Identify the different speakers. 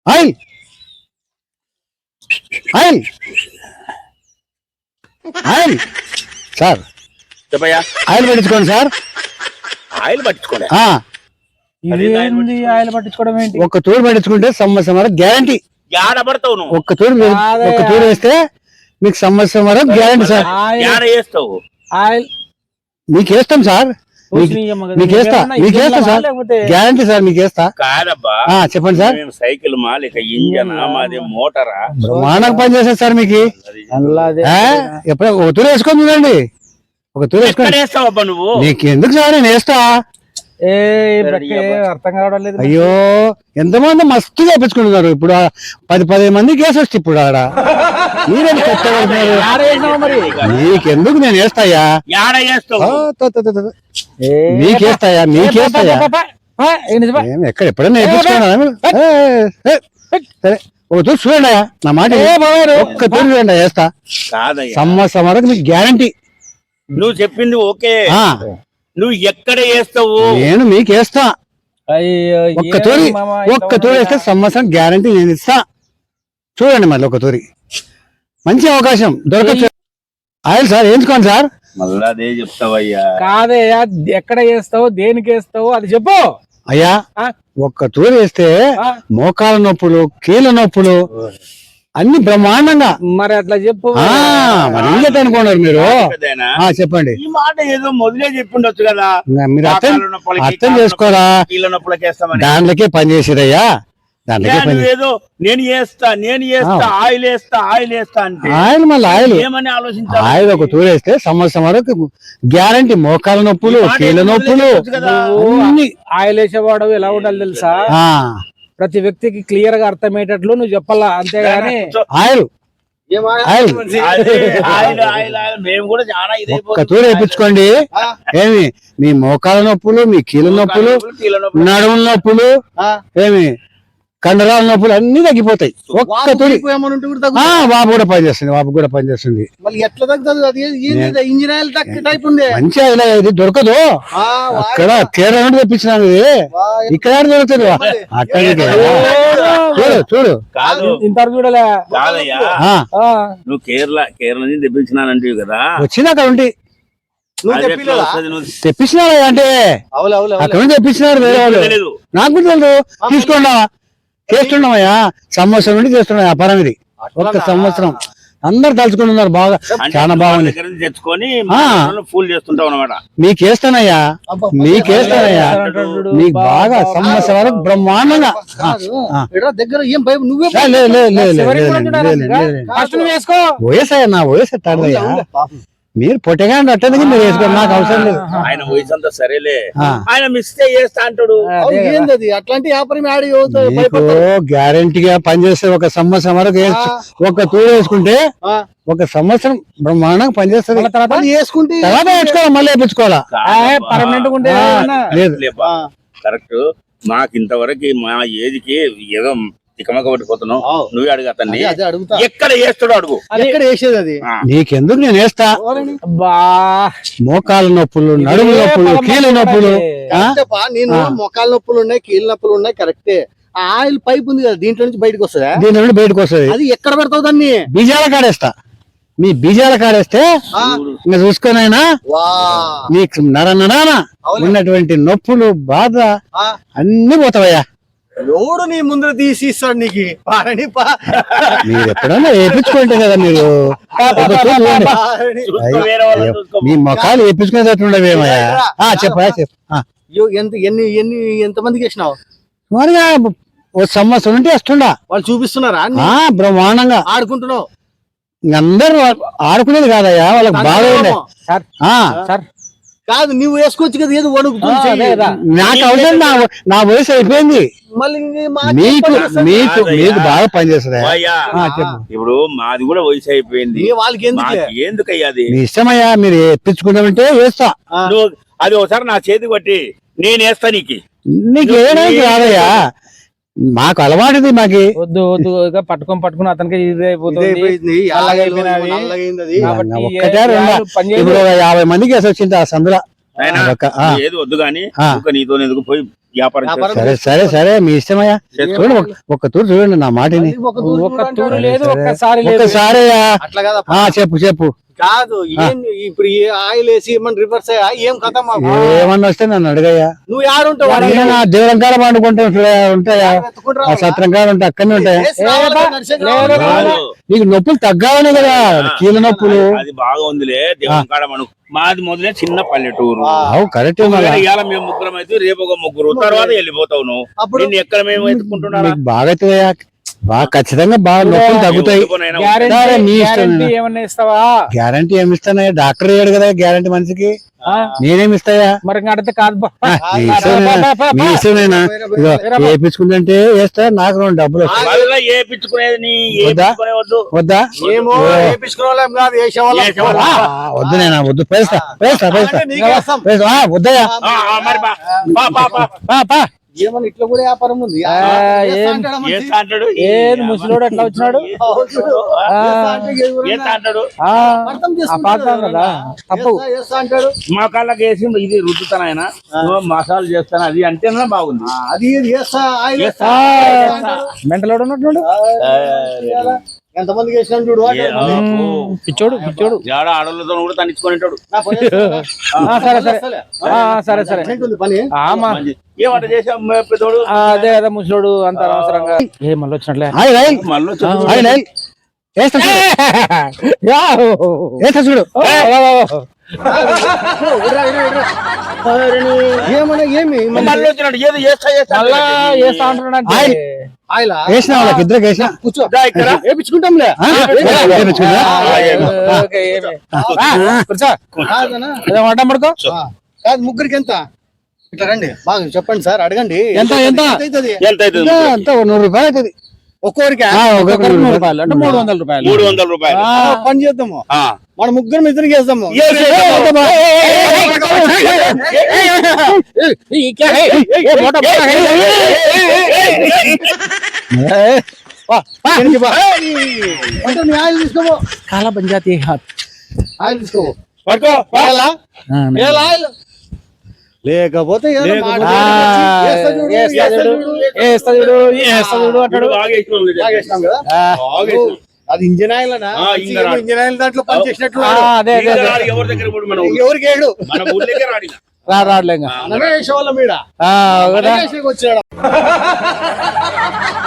Speaker 1: Oil oil oil sir
Speaker 2: చెప్పయ్యా.
Speaker 1: Oil పెట్టించుకోండి sir.
Speaker 2: Oil పట్టించుకోండి.
Speaker 3: ఇదేంది ఆయిల్ పట్టించుకోవడం ఏంటి?
Speaker 1: ఒక్క తూరు పెట్టించుకుంటే సంవత్సరం వరకు గ్యారంటీ.
Speaker 2: యాడ పడతావు నువ్వు?
Speaker 1: ఒక్క తూరు వేస్తే మీకు సంవత్సరం వరకు గ్యారంటీ సార్.
Speaker 2: యాడ వేస్తావు?
Speaker 3: ఆయిల్
Speaker 1: మీకు వేస్తాం సార్. మీకేస్తా సార్, గ్యారంటీ సార్ మీకేస్తా.
Speaker 2: కాదబ్బా,
Speaker 1: చెప్పండి సార్.
Speaker 2: సైకిల్ మా లేక ఇంజన్ మాది మోటారా?
Speaker 1: బ్రహ్మాండంగా పనిచేస్తారు సార్ మీకు. ఎప్పుడో ఒక తూరు వేసుకొని చూడండి. ఒక తూరు వేసుకొని
Speaker 2: వేస్తావబ్బా నువ్వు?
Speaker 1: నీకు ఎందుకు సార్, నేను వేస్తా.
Speaker 3: అర్థం కావడం లేదు.
Speaker 1: అయ్యో ఎంతమంది మస్తు చేపించుకుంటున్నారు. ఇప్పుడు 10 మంది కేసు వచ్చి ఇప్పుడు ఆడ మీరేం
Speaker 3: మరి
Speaker 1: నీకెందుకు, నేను వేస్తాయా. మీకేస్తాయా ఎక్కడ ఎప్పుడైనా వేపించుకున్నా. సరే ఒక తూరు చూడండి నా మాట. ఒక్క తూరు చూడండి వేస్తా. సంవత్సరం వరకు మీకు గ్యారంటీ.
Speaker 2: నువ్వు చెప్పింది ఓకే, నువ్వు ఎక్కడ వేస్తావు?
Speaker 1: నేను మీకు వేస్తా. ఒక్క తూరి వేస్తే సంవత్సరం గ్యారంటీ నేను ఇస్తా. చూడండి మళ్ళీ ఒక తూరి మంచి అవకాశం దొరకచ్చు. ఆయిల్ సార్ వేయించుకోండి సార్.
Speaker 2: మళ్ళా అదే చెప్తావయ్యా?
Speaker 3: కాదయ్యా, ఎక్కడ వేస్తావు, దేనికి వేస్తావు అది చెప్పు
Speaker 1: అయ్యా. ఒక్క తూరి వేస్తే మోకాల నొప్పులు, కీళ్ళ నొప్పులు అన్ని బ్రహ్మాండంగా.
Speaker 3: మరి అట్లా చెప్పు.
Speaker 1: మరి ఇంకేట అనుకున్నారు మీరు? చెప్పండి.
Speaker 2: ఈ మాట ఏదో మొదలే చెప్పిండొచ్చు కదా.
Speaker 1: మీరు అర్థం చేసుకోరా? దాంట్లోకే పని చేసిరయ్యా, దాంట్లోకే పని.
Speaker 2: ఏదో నేను చేస్తా ఆయిల్ వేస్తా అంటే
Speaker 1: ఆయిల్ మళ్ళీ ఆయిల్
Speaker 2: ఏమని ఆలోచించాలి?
Speaker 1: ఆయిల్ ఒక తూరు వేస్తే సంవత్సరం వరకు గ్యారంటీ. మోకాల నొప్పులు, కీళ్ళ నొప్పులు అన్ని.
Speaker 3: ఆయిల్ వేసేవాడు ఎలా ఉండాలి తెలుసా? ప్రతి వ్యక్తికి క్లియర్ గా అర్థమయ్యేటట్లు నువ్వు చెప్పాలా, అంతేగాని
Speaker 1: ఆయిల్ ఒక్క తూరు వేయించుకోండి. ఏమి మీ మోకాల నొప్పులు, మీ కీళ్ళ నొప్పులు, నడుముల నొప్పులు, ఏమి కండరాల నొప్పులు అన్ని తగ్గిపోతాయి. ఒక్క తూరి. బాబు కూడా పనిచేస్తుంది. మంచి ఆయిల్ ఇది దొరకదు అక్కడ. కేరళ నుండి తెప్పించినాను ఇది. ఇక్కడ దొరుకుతుంది అక్కడికి. చూడు
Speaker 3: ఇంత చూడలే.
Speaker 2: నువ్వు కేరళ నుంచి తెప్పించినానంటే కదా.
Speaker 1: వచ్చింది అక్కడ ఉండి తెప్పించినారా అంటే అక్కడ నుంచి తెప్పించినారు వేరే వాళ్ళు. నాకు కూడా తెలియదు. తీసుకోండా చేస్తున్నామయ్యా, సంవత్సరం నుండి చేస్తున్నా వ్యాపారం ఇది. ఒక్క సంవత్సరం అందరు తలుచుకుని ఉన్నారు. బాగా చాలా బాగుంది.
Speaker 2: తెచ్చుకొని ఫుల్ చేస్తుంటావు అన్నమాట.
Speaker 1: మీకేస్తానయ్యా మీకు బాగా సంవత్సరం వరకు బ్రహ్మాండంగా.
Speaker 3: దగ్గర ఏం భయం నువ్వే
Speaker 1: వయసయ్యా, నా వయసు తాడయ్యా. మీరు పొట్టగా అట్టేందుకు మీరు వేసుకోండి, నాకు అవసరం లేదు.
Speaker 2: ఆయన వయసు అంతా సరేలే, ఆయన మిస్టేక్ చేస్తా అంటాడు.
Speaker 3: అట్లాంటి వ్యాపారం
Speaker 1: గ్యారంటీగా పనిచేస్తే ఒక సంవత్సరం వరకు ఒక తూరు వేసుకుంటే ఒక సంవత్సరం బ్రహ్మాండంగా పనిచేస్తుంది. తర్వాత వేసుకోవాలి, మళ్ళీ వేయించుకోవాలా.
Speaker 2: కరెక్ట్. మాకు ఇంతవరకు మా ఏజ్కి ఏదో తికమక పట్టిపోతున్నావు. నువ్వే అడుగుతాన్ని ఎక్కడ వేస్తాడో అడుగు.
Speaker 3: ఎక్కడ వేసేది అది
Speaker 1: నీకెందుకు, నేను వేస్తా. మోకాల నొప్పులు, నడుము నొప్పులు, కీళ్ళ నొప్పులు.
Speaker 3: నేను మోకాల నొప్పులు ఉన్నాయి, కీళ్ళ నొప్పులు ఉన్నాయి, కరెక్టే. ఆయిల్ పైప్ ఉంది కదా, దీంట్లో నుంచి బయటకు వస్తుంది.
Speaker 1: దీంట్లో నుండి బయటకు వస్తుంది.
Speaker 3: అది ఎక్కడ పెడతావు దాన్ని?
Speaker 1: బీజాల కాడేస్తా. మీ బీజాల కాడేస్తే ఇంకా చూసుకొనైనా నీకు నరనరాన ఉన్నటువంటి నొప్పులు, బాధ అన్ని పోతావయ్యా.
Speaker 3: ఎవడు నీ ముందు తీసి ఇస్తాడు నీకు?
Speaker 1: మీరు ఎప్పుడన్నా వేయించుకుంటే కదా మీరు. మీ మొఖాలు వేయించుకునేటట్టుండవేమయ్యా. చెప్పా
Speaker 3: ఎంత మందికి వేసినావు?
Speaker 1: సుమారుగా ఓ సంవత్సరం నుండి వస్తుండా.
Speaker 3: వాళ్ళు చూపిస్తున్నారా?
Speaker 1: బ్రహ్మాండంగా
Speaker 3: ఆడుకుంటున్నావు.
Speaker 1: అందరూ ఆడుకునేది కాదయ్యా, వాళ్ళకి బాగా ఉండే.
Speaker 3: కాదు, నువ్వు వేసుకోవచ్చు కదా. ఏదో వణుకుతుంది.
Speaker 1: నాకు అవసరం, నా వయసు అయిపోయింది.
Speaker 3: మళ్ళీ
Speaker 1: మీకు బాగా పనిచేస్తుంది.
Speaker 2: ఇప్పుడు మాది కూడా వయసు అయిపోయింది.
Speaker 3: వాళ్ళకి
Speaker 2: ఎందుకయ్యా అది?
Speaker 1: మీ ఇష్టమయ్యా, మీరు ఎప్పించుకుంటామంటే వేస్తా.
Speaker 2: అది ఒకసారి నా చేతి పట్టి నేను వేస్తా.
Speaker 1: నీకు ఏడానికి రాదయ్యా, మాకు అలవాటుది. మాకి
Speaker 3: వద్దు పట్టుకుని అతనికి ఇది అయిపోతుంది.
Speaker 1: ఒక్కటే 50 మందికి వేసి వచ్చింది ఆ సందులో.
Speaker 2: నాయనా,
Speaker 1: అదొక, ఆ.
Speaker 2: నువ్వు ఏది వద్దు గాని
Speaker 1: ఆ.
Speaker 2: ఇంకా నీతో ఎందుకు పోయి వ్యాపారం చేస్తా.
Speaker 1: సరే సరే సరే మీ ఇష్టమయ్యా చూడండి ఒక్క తూరు చూడండి నా మాటని
Speaker 3: ఒక్క తూరు లేదు,
Speaker 1: సరే.
Speaker 3: ఒక్కసారి లేదు.
Speaker 1: ఒక్కసారి
Speaker 4: అట్లా కదా
Speaker 1: చెప్పు చెప్పు
Speaker 4: కాదు ఏం ఇప్పుడు ఈ ఆయిల్ వేసి మన రివర్స్ ఏం కథ మాకు
Speaker 1: ఏమన్నా వస్తే నన్ను అడగయ్యా
Speaker 4: నువ్వు యాడుంటావు
Speaker 1: నేను నా దేవురం కాడ పండుకుంటే ఉంటాయా ఆ సత్రం కాడ ఉంటే అక్కడనే ఉంటాయా నీకు నొప్పులు తగ్గావనే కదా కీళ్ళ నొప్పులు
Speaker 2: అది బాగా ఉందిలే దేవుని కాడ మనం మాది మొదలే చిన్న పల్లెటూరు.
Speaker 1: అవు కరెక్ట్
Speaker 2: ఇవాళ మేము ముగ్గురం అయితే రేపు ఒక ముగ్గురు తర్వాత వెళ్ళిపోతావు నువ్వు.
Speaker 4: అప్పుడు
Speaker 2: నిన్ను ఎక్కడ మేము ఎత్తుకుంటున్నా
Speaker 1: మీకు బాగా అవుతుందయ్యా బాగా ఖచ్చితంగా బాగా నొప్పులు తగ్గుతాయి సరే, మీ ఇష్టం.
Speaker 3: గ్యారెంటీ ఏమన్నా ఇస్తావా?
Speaker 1: గ్యారంటీ ఏమి ఇస్తానయ్యా డాక్టర్ అయ్యాడు కదా గ్యారంటీ మనిషికి నేనేమి ఇస్తాయా
Speaker 3: మరి ఇంకా అడిగితే కాదు బా.
Speaker 1: మీ ఇష్టమేనా ఇదిగో వేపించుకుంటే వేస్తా నాకు 2 డబ్బులు వస్తాయి
Speaker 2: మళ్ళా ఏపించుకునేది నీ
Speaker 1: వద్దా?
Speaker 2: ఏపించుకునేవద్దు.
Speaker 1: వద్దా
Speaker 4: ఏమో వేపించుకోలేం కాదు వేసేవాళ్ళం
Speaker 1: వద్దు నేనా వద్దు పేస్తా పేస్తా పేస్తా
Speaker 4: నీకేస్తాం.
Speaker 1: పేస్తా వద్దయ్యా
Speaker 2: మరి బా, బా, బా, బా.
Speaker 1: పా, పా.
Speaker 4: ఏమన్నా ఇట్లా కూడా వ్యాపారం ఉంది
Speaker 2: ఏస్తా అంటాడు.
Speaker 3: ఏది ముసలోడు ఎట్లా వచ్చినాడు?
Speaker 2: ఏస్తా అంటాడు.
Speaker 3: పాతాం కదా తప్పు.
Speaker 4: అంటాడు
Speaker 2: మా కాళ్ళకి వేసి ఇది రుద్దుతాను ఆయన మసాలా చేస్తాను అది అంటేనే బాగుంది.
Speaker 4: అది ఇది చేస్తా ఆయిల్ వేస్తా.
Speaker 3: మెంటలోడు ఉన్నట్టున్నాడు.
Speaker 4: ఎంతమందికి వేసినాం చూడు
Speaker 3: పిచ్చోడు పిచ్చోడు.
Speaker 2: ఏడ ఆడలతో కూడా తనిచ్చుకునేటాడు.
Speaker 3: సరే సరే సరే సరే
Speaker 4: ఏంటుంది పని
Speaker 3: ఆమా
Speaker 2: ఏమంట చేసాం పెద్దోడు.
Speaker 3: అదే అదే ముసలోడు అంత అనవసరంగా ఏ మళ్ళీ వచ్చినట్లే.
Speaker 1: హాయ్ రైల్
Speaker 2: మళ్ళీ
Speaker 1: హాయ్ రైల్ వేస్తా చూడు వేస్తా చూడు
Speaker 4: ఏమన్నా ఏమి
Speaker 2: మళ్ళీ వచ్చినాడు ఏదో చేస్తా చేస్తా
Speaker 3: మళ్ళా చేస్తా అంటున్నాడు.
Speaker 1: ఆయిల్
Speaker 4: ఆయిల్
Speaker 1: వేసిన వాళ్ళకి ఇద్దరికి వేసిన
Speaker 4: కూర్చో
Speaker 2: దా ఇక్కడ
Speaker 4: వేపించుకుంటాంలే
Speaker 1: వేపించుకుందా?
Speaker 3: కూర్చో
Speaker 4: కాదనా
Speaker 3: వంట పడుకో.
Speaker 4: కాదు ముగ్గురికి ఎంత ఇట్లా రండి బాగా చెప్పండి సార్ అడగండి
Speaker 1: ఎంత ఎంత
Speaker 4: అవుతుంది
Speaker 2: ఎంత అవుతుంది?
Speaker 1: అంత 100 రూపాయలు అవుతుంది
Speaker 4: ఒక్కొక్కరికి
Speaker 3: ఒక్కొక్కరికి 100 రూపాయలు అంటే 300 రూపాయలు.
Speaker 2: 300 రూపాయలు.
Speaker 4: పని చేద్దాము
Speaker 2: ఆ.
Speaker 4: మన ముగ్గురు ఇద్దరికి వేద్దాము అంటే నీ ఆయిల్ తీసుకోబో
Speaker 3: కాలా పంచాయతీ
Speaker 4: ఆయిల్ తీసుకోబో
Speaker 2: పట్టుకో.
Speaker 4: ఆయిల్ లేకపోతే ఏదో మాట వేస్తా చూడు,
Speaker 3: వేస్తా చూడు వేస్తా చూడు అంటాడు.
Speaker 2: బాగా వేసినాం లేదు.
Speaker 4: తాగేసినాం కదా
Speaker 2: బాగా వేసినాం.
Speaker 4: అది ఇంజన్ ఆయిల్ అనా
Speaker 2: ఇంజన్ ఆయిల్.
Speaker 4: ఇంజన్ ఆయిల్ దాంట్లో పని చేసినట్లు
Speaker 3: అదే అదే
Speaker 2: ఇంకా రాడు ఎవరి దగ్గర పోడు మన ఊళ్ళో.
Speaker 4: ఎవరికి ఏడు
Speaker 2: మన ఊళ్ళకే రాడు ఇక.
Speaker 3: రాడులే ఇంకా.
Speaker 4: మనమే వేసేవాళ్ళం ఈడ
Speaker 3: ఒకటా
Speaker 4: మనమే వేసేకి వచ్చాడు